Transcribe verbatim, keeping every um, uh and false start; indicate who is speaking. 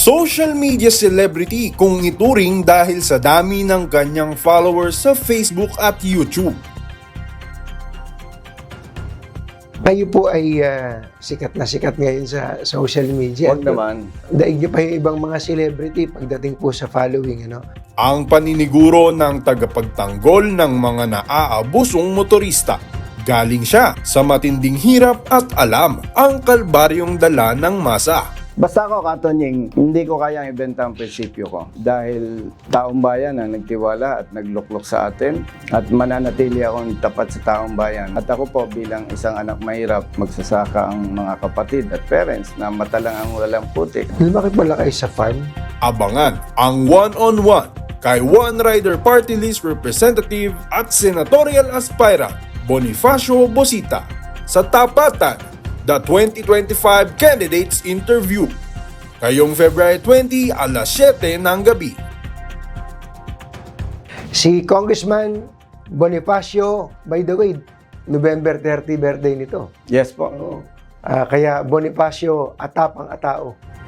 Speaker 1: Social media celebrity kung ituring dahil sa dami ng kanyang followers sa Facebook at YouTube.
Speaker 2: Kayo po ay ah, sikat na sikat ngayon sa social media.
Speaker 3: Huwag naman.
Speaker 2: Daig niyo pa yung ibang mga celebrity pagdating po sa following, ano?
Speaker 1: Ang paniniguro ng tagapagtanggol ng mga naaabusong motorista. Galing siya sa matinding hirap at alam ang kalbaryong dala ng masa.
Speaker 3: Basta ako, Katonying, hindi ko kayang ibenta ang prinsipyo ko. Dahil taong bayan ang nagtiwala at nagluklok sa atin at mananatili akong tapat sa taong bayan. At ako po bilang isang anak mahirap, magsasaka ang mga kapatid at parents na matalang ang walang putik.
Speaker 2: Lumaki pala kayo sa farm.
Speaker 1: Abangan ang one-on-one kay One Rider Party List Representative at Senatorial Aspirant Bonifacio Bosita sa Tapatan, the twenty twenty-five Candidates Interview. Kayong February twentieth, alas siyete ng gabi.
Speaker 2: Si Congressman Bonifacio, by the way, November thirtieth birthday nito.
Speaker 3: Yes po.
Speaker 2: Ah, kaya Bonifacio, atapang atao.